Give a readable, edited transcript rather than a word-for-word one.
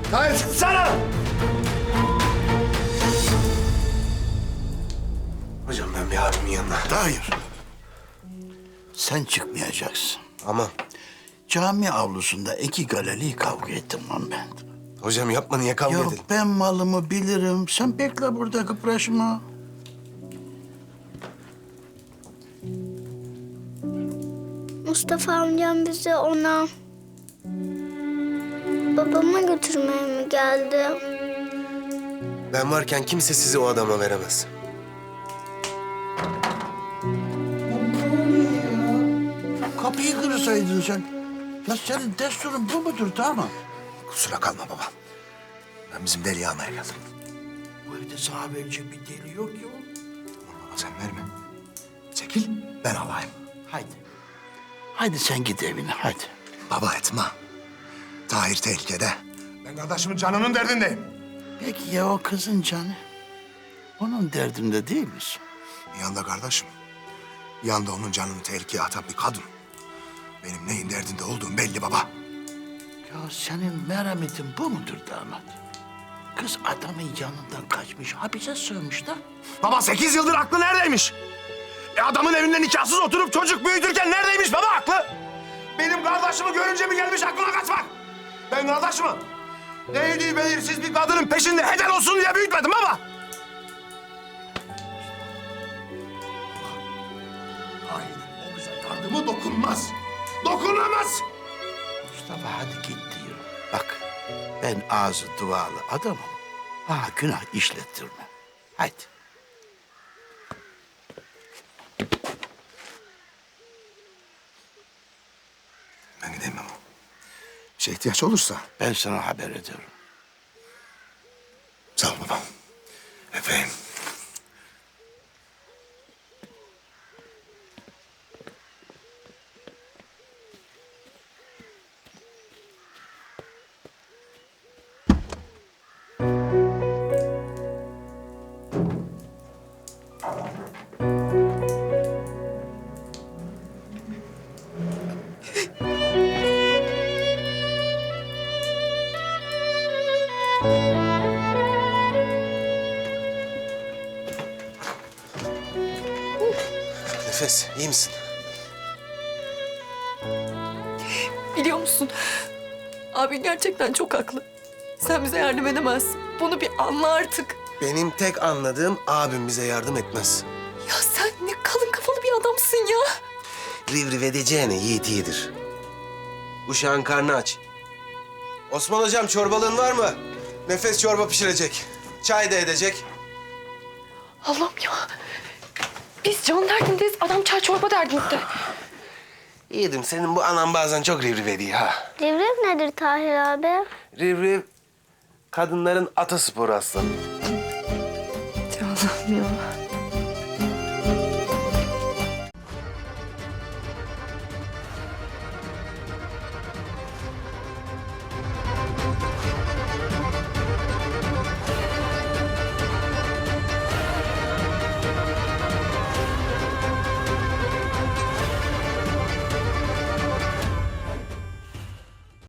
Tahir çıksana! Hocam ben bir abimin yanına. Hayır. Sen çıkmayacaksın. Aman. Cami avlusunda iki galeli kavga ettim lan ben. Hocam yapma, niye kavga Yok edelim? ben malımı bilirim. Sen bekle burada, kıpraşma. Mustafa amcam bizi ona babama götürmeye mi geldi? Ben varken kimse sizi o adama veremez. Kapıyı kırsaydın sen. Ya senin desturun bu mudur, tamam mı? Kusura kalma baba. Ben bizim deliği almaya geldim. Bu evde sana verecek bir deli yok ya. Tamam baba, sen verme. Çekil, ben alayım. Haydi. Haydi sen git evine, haydi. Baba etme. Tahir tehlikede. Ben kardeşimin canının derdindeyim. Peki ya o kızın canı? Onun derdinde değil misin? Yanında kardeşim. Yanında onun canını tehlikeye atan bir kadın. Benim neyin derdinde olduğum belli baba. Ya senin merhametin bu mudur damat? Kız adamın yanından kaçmış, hapise sığmış da. Baba 8 yıldır aklı neredeymiş? Adamın evinde nikahsız oturup çocuk büyütürken neredeymiş baba aklı? Benim kardeşimi görünce mi gelmiş aklına kaçmak? Ben kardeşimi neydi belirsiz bir kadının peşinde heder olsun diye büyütmedim baba. Hayır, o kıza yardımı dokunmaz. Dokunamaz. Mustafa hadi git diyor. Bak ben ağzı dualı adamım. Ha günah işlettirme. Haydi. Ben gideyim ama. Bir şey ihtiyaç olursa. Ben sana haber ederim. Sağ ol babam. Öpeyim. Nefes, iyi misin? Biliyor musun? Abin gerçekten çok haklı. Sen bize yardım edemezsin. Bunu bir anla artık. Benim tek anladığım abim bize yardım etmez. Ya sen ne kalın kafalı bir adamsın ya. Rivriv edeceğine yiğit iyidir. Uşağın karnı aç. Osman hocam çorbalığın var mı? Nefes çorba pişirecek. Çay da edecek. Allah'ım ya. Biz can derdindeyiz. Adam çay çorba derdinde. Yiğidim senin bu anan bazen çok rivriv ediyor ha. Devrim nedir Tahir abi? Rivriv kadınların atasporu aslanım. Allah'ım ya.